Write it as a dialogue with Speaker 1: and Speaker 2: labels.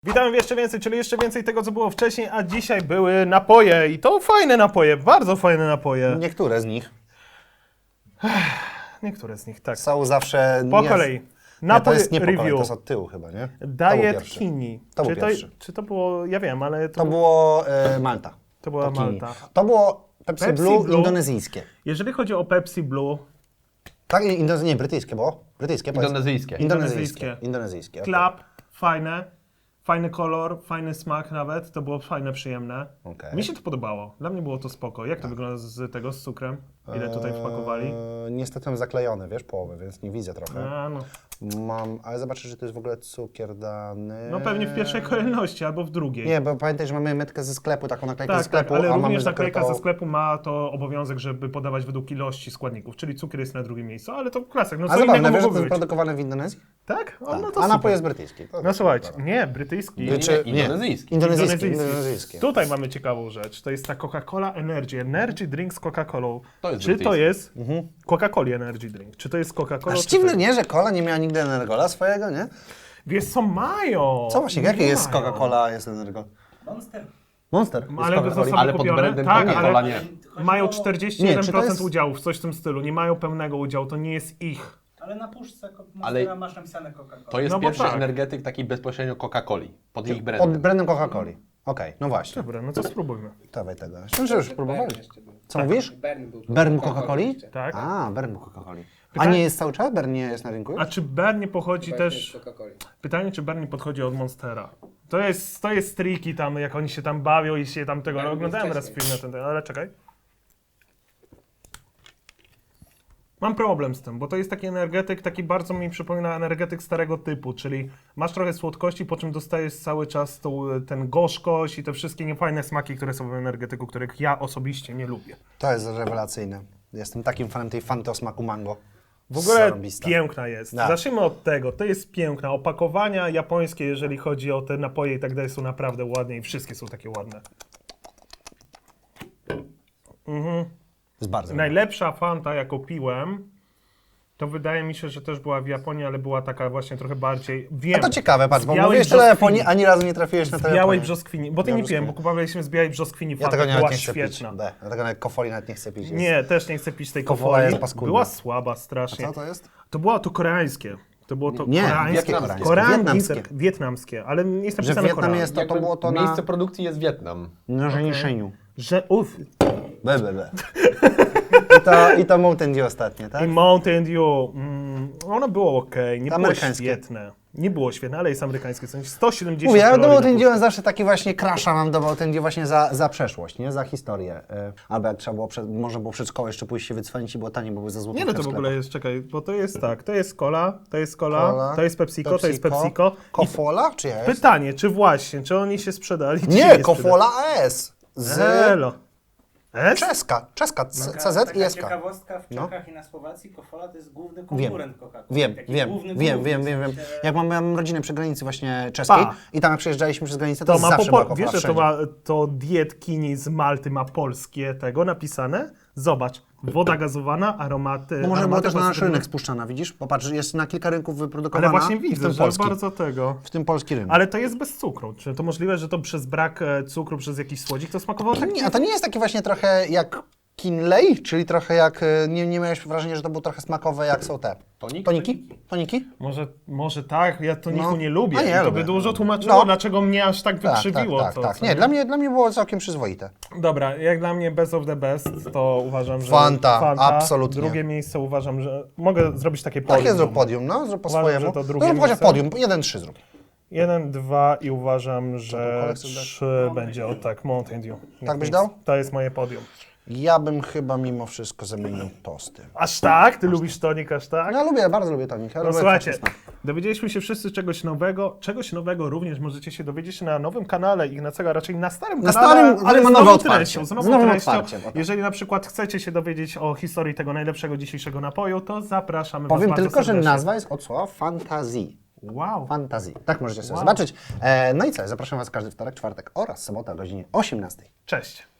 Speaker 1: Witamy w jeszcze więcej, czyli jeszcze więcej tego, co było wcześniej, a dzisiaj były napoje i to fajne napoje, bardzo fajne napoje.
Speaker 2: Niektóre z nich
Speaker 1: Niektóre z nich, tak.
Speaker 2: są zawsze...
Speaker 1: Po kolei.
Speaker 2: Nie, to
Speaker 1: Napój
Speaker 2: jest nie po kolei,
Speaker 1: review.
Speaker 2: to jest od tyłu chyba, nie?
Speaker 1: Diet Kini.
Speaker 2: To był pierwszy.
Speaker 1: Czy to było, ja wiem, ale
Speaker 2: To było Malta.
Speaker 1: to była
Speaker 2: Kini.
Speaker 1: Malta.
Speaker 2: To było Pepsi,
Speaker 1: Pepsi
Speaker 2: Blue
Speaker 1: Blue.
Speaker 2: indonezyjskie.
Speaker 1: Jeżeli chodzi o Pepsi Blue,
Speaker 2: Tak, nie, brytyjskie było. Brytyjskie, powiedz.
Speaker 3: Indonezyjskie.
Speaker 2: Indonezyjskie. Okay.
Speaker 1: klap, fajne. Fajny kolor, fajny smak nawet, to było fajne, przyjemne.
Speaker 2: Okej.
Speaker 1: Mi się to podobało, dla mnie było to spoko. Jak to wygląda z tego, z cukrem? Ile tutaj wpakowali?
Speaker 2: Niestety mam zaklejone, wiesz, połowę, więc nie widzę trochę.
Speaker 1: A, no.
Speaker 2: Ale zobaczę, że to jest w ogóle cukier dany.
Speaker 1: No pewnie w pierwszej kolejności albo w drugiej.
Speaker 2: Nie, bo pamiętaj, że mamy metkę ze sklepu, taką naklejkę ze
Speaker 1: Tak,
Speaker 2: sklepu,
Speaker 1: ale
Speaker 2: a mamy
Speaker 1: również naklejka
Speaker 2: zakrytą-
Speaker 1: ze sklepu ma to obowiązek, żeby podawać według ilości składników, czyli cukier jest na drugim miejscu, ale to klasyk, no
Speaker 2: A
Speaker 1: co
Speaker 2: zabawne,
Speaker 1: innego
Speaker 2: wiesz, że to
Speaker 1: mogłoby
Speaker 2: jest
Speaker 1: być.
Speaker 2: produkowane w Indonezji?
Speaker 1: Tak? O, no to
Speaker 2: A
Speaker 1: super.
Speaker 2: napój jest brytyjski. To
Speaker 1: No słuchajcie, nie, brytyjski.
Speaker 3: Indonezyjski.
Speaker 2: Indonezyjski.
Speaker 1: Tutaj mamy ciekawą rzecz, to jest ta Coca-Cola Energy Drink z Coca-Colą.
Speaker 3: To jest
Speaker 1: Czy to
Speaker 3: brytyjski.
Speaker 1: jest Coca-Cola Energy Drink? Czy to jest Coca-Cola?
Speaker 2: Aż
Speaker 1: czy
Speaker 2: dziwne,
Speaker 1: to-
Speaker 2: nie, że Cola nie miała nigdy Energola swojego, nie?
Speaker 1: Wiesz co, mają!
Speaker 2: Co właśnie, jakie jest
Speaker 1: Mają.
Speaker 2: Coca-Cola, jest Energol?
Speaker 4: Monster.
Speaker 2: Monster.
Speaker 1: Ale
Speaker 2: jest
Speaker 1: to
Speaker 2: Coca-Coli.
Speaker 1: są
Speaker 3: Ale pod
Speaker 1: kupione?
Speaker 3: brandem
Speaker 1: Tak,
Speaker 3: Coca-Cola
Speaker 1: ale
Speaker 3: nie.
Speaker 1: mają
Speaker 2: Nie,
Speaker 1: 41%
Speaker 2: czy to jest-
Speaker 1: udziałów, coś w tym stylu. Nie mają pełnego udziału, to nie jest ich.
Speaker 4: Ale na puszce
Speaker 3: Ale-
Speaker 4: Monstera masz napisane Coca-Cola.
Speaker 3: To jest
Speaker 1: No bo
Speaker 3: pierwszy
Speaker 1: tak.
Speaker 3: energetyk taki bezpośrednio Coca-Coli. Pod ich
Speaker 2: Pod
Speaker 3: brandem.
Speaker 2: brandem Coca-Coli. Okej, no właśnie.
Speaker 1: Dobra, no to spróbujmy.
Speaker 2: Dawaj tego. Myślę, że już próbowali. Co mówisz?
Speaker 5: Bern był.
Speaker 2: Bern Coca-Coli?
Speaker 1: Tak.
Speaker 2: A, Bern Coca-Coli. A
Speaker 1: Pytanie-
Speaker 2: nie jest cały czas? Bern nie jest na rynku?
Speaker 1: A czy Bernie pochodzi też...
Speaker 5: Coca-Coli.
Speaker 1: Pytanie, czy Bernie podchodzi od Monstera? To jest triki tam, jak oni się tam bawią i się tam tego...
Speaker 5: Bernie
Speaker 1: No, oglądałem
Speaker 5: był
Speaker 1: raz film
Speaker 5: wcześniej.
Speaker 1: na ten, ale czekaj. Mam problem z tym, bo to jest taki energetyk, taki bardzo mi przypomina energetyk starego typu, czyli masz trochę słodkości, po czym dostajesz cały czas ten gorzkość i te wszystkie niefajne smaki, które są w energetyku, których ja osobiście nie lubię.
Speaker 2: To jest rewelacyjne. Jestem takim fanem tej fanty o smaku mango.
Speaker 1: W ogóle
Speaker 2: Zarąbista.
Speaker 1: piękna jest.
Speaker 2: Tak.
Speaker 1: Zacznijmy od tego. To jest piękna. Opakowania japońskie, jeżeli chodzi o te napoje i tak dalej, są naprawdę ładne i wszystkie są takie ładne.
Speaker 2: Jest bardzo
Speaker 1: Najlepsza Fanta, jaką piłem, to wydaje mi się, że też była w Japonii, ale była taka właśnie trochę bardziej... Wiem,
Speaker 2: A to ciekawe, patrz,
Speaker 1: z
Speaker 2: bo
Speaker 1: białej
Speaker 2: mówisz tyle o
Speaker 1: brzoskwini.
Speaker 2: Japonii, ani razu nie trafiłeś na
Speaker 1: Z
Speaker 2: tę
Speaker 1: białej
Speaker 2: Japonię.
Speaker 1: brzoskwini, bo ty
Speaker 2: Białej
Speaker 1: nie piłem, bo
Speaker 2: brzoskwini.
Speaker 1: kupowaliśmy z białej brzoskwini
Speaker 2: Ja
Speaker 1: Fanta,
Speaker 2: tego
Speaker 1: była
Speaker 2: nawet nie chcę
Speaker 1: świetna.
Speaker 2: pić. Ja tego nawet kofoli nawet nie chcę pić. Jest.
Speaker 1: Nie, też nie chcę pić tej
Speaker 2: Kofola
Speaker 1: kofoli.
Speaker 2: jest paskudna.
Speaker 1: Była słaba strasznie.
Speaker 2: Co to jest?
Speaker 1: To było to koreańskie. To było to
Speaker 2: Nie,
Speaker 1: koreańskie.
Speaker 2: jakie
Speaker 1: Koreańskie.
Speaker 2: wietnamskie.
Speaker 1: Wietnamskie, ale nie jest
Speaker 2: Że
Speaker 1: napisane
Speaker 2: Wietnam
Speaker 1: Korea.
Speaker 2: jest to było to
Speaker 3: Miejsce
Speaker 2: na
Speaker 3: produkcji jest Wietnam.
Speaker 2: narzędziszeniu.
Speaker 1: Że
Speaker 2: Be. I to Mountain Dew ostatnie, tak?
Speaker 1: i Mountain Dew, ono było okej, nie było
Speaker 2: Amerykańskie.
Speaker 1: świetne. Nie było świetne, ale jest amerykańskie. W sensie 170
Speaker 2: Mówię, ja do
Speaker 1: kalorii
Speaker 2: Mountain
Speaker 1: na
Speaker 2: Dew zawsze taki właśnie crasha mam do Mountain Dew właśnie za przeszłość, nie? Za historię. Albo jak trzeba było, można było przed szkołą jeszcze pójść się wycwanić i było taniej, bo były za złotówkę
Speaker 1: Nie, no to w ogóle jest, czekaj, bo to jest tak, to jest cola, to jest cola, to jest PepsiCo, to jest PepsiCo.
Speaker 2: Kofola czy jest?
Speaker 1: Pytanie, czy oni się sprzedali, czy się
Speaker 2: Nie,
Speaker 1: nie
Speaker 2: Kofola AS. Z
Speaker 1: Elo. S?
Speaker 2: Czeska, CZ i
Speaker 4: Taka
Speaker 2: SK.
Speaker 4: ciekawostka, w
Speaker 2: No.
Speaker 4: Czechach i na Słowacji Kofola to jest główny konkurent Coca-Coli.
Speaker 2: Wiem. Jak mam rodzinę przy granicy właśnie czeskiej
Speaker 1: Pa.
Speaker 2: i tam jak przejeżdżaliśmy przez granicę, to,
Speaker 1: To ma
Speaker 2: zawsze była
Speaker 1: po,
Speaker 2: Kofola
Speaker 1: wiesz, że to,
Speaker 2: wszędzie.
Speaker 1: to Diet Kini z Malty ma polskie tego napisane? Zobacz, woda gazowana, aromaty.
Speaker 2: No może było
Speaker 1: aromaty
Speaker 2: też na nasz
Speaker 1: pozytywne.
Speaker 2: rynek spuszczana, widzisz? Popatrz, jest na kilka rynków wyprodukowana.
Speaker 1: Ale właśnie
Speaker 2: i w
Speaker 1: widzę,
Speaker 2: tym
Speaker 1: że
Speaker 2: polski.
Speaker 1: bardzo tego.
Speaker 2: W tym polski rynek.
Speaker 1: Ale to jest bez cukru. Czy to możliwe, że to przez brak cukru, przez jakiś słodzik to smakowało tak?
Speaker 2: Nie, a to nie jest takie właśnie trochę jak Kinley, czyli trochę jak, nie miałeś wrażenia, że to było trochę smakowe jak są te
Speaker 3: Tonik?
Speaker 2: Toniki?
Speaker 1: Może tak, ja toniku
Speaker 2: No.
Speaker 1: nie lubię.
Speaker 2: A nie,
Speaker 1: I
Speaker 2: ja
Speaker 1: to
Speaker 2: lubię.
Speaker 1: by dużo tłumaczyło,
Speaker 2: No.
Speaker 1: dlaczego mnie aż tak wykrzywiło.
Speaker 2: Tak.
Speaker 1: to, co
Speaker 2: Nie, dla mnie było całkiem przyzwoite.
Speaker 1: Dobra, jak dla mnie best of the best, to uważam, że
Speaker 2: Fanta, absolutnie.
Speaker 1: Drugie miejsce uważam, że mogę zrobić takie podium.
Speaker 2: Takie zrób podium, no, zrób po
Speaker 1: Uważam,
Speaker 2: swojemu.
Speaker 1: że to drugie
Speaker 2: Zrób chociaż
Speaker 1: miejsce.
Speaker 2: podium, 1-3 zrób.
Speaker 1: 1, 2 i uważam, że
Speaker 2: kolekcję dasz?
Speaker 1: 3 będzie o tak, Mountain Dew.
Speaker 2: Tak byś dał?
Speaker 1: To jest moje podium.
Speaker 2: Ja bym chyba mimo wszystko zamienił tosty.
Speaker 1: Aż tak? Ty lubisz tonik aż tak?
Speaker 2: No, ja lubię, bardzo lubię tonik. Ja
Speaker 1: No
Speaker 2: lubię
Speaker 1: słuchajcie,
Speaker 2: kwaśny smak.
Speaker 1: dowiedzieliśmy się wszyscy czegoś nowego. Czegoś nowego również możecie się dowiedzieć na nowym kanale Ignacego, raczej na starym
Speaker 2: Na
Speaker 1: kanale,
Speaker 2: starym,
Speaker 1: ale
Speaker 2: ma
Speaker 1: z
Speaker 2: nowe
Speaker 1: nową
Speaker 2: otwarcie.
Speaker 1: treścią.
Speaker 2: Z nowym otwarciem, o tak.
Speaker 1: Jeżeli na przykład chcecie się dowiedzieć o historii tego najlepszego dzisiejszego napoju, to zapraszamy
Speaker 2: Powiem
Speaker 1: was bardzo
Speaker 2: tylko, że
Speaker 1: serdecznie.
Speaker 2: nazwa jest od słowa fantazji.
Speaker 1: Wow.
Speaker 2: Fantazji. Tak możecie sobie
Speaker 1: Wow.
Speaker 2: zobaczyć. No i co, zapraszam Was każdy wtorek, czwartek oraz sobota o godzinie 18.
Speaker 1: Cześć.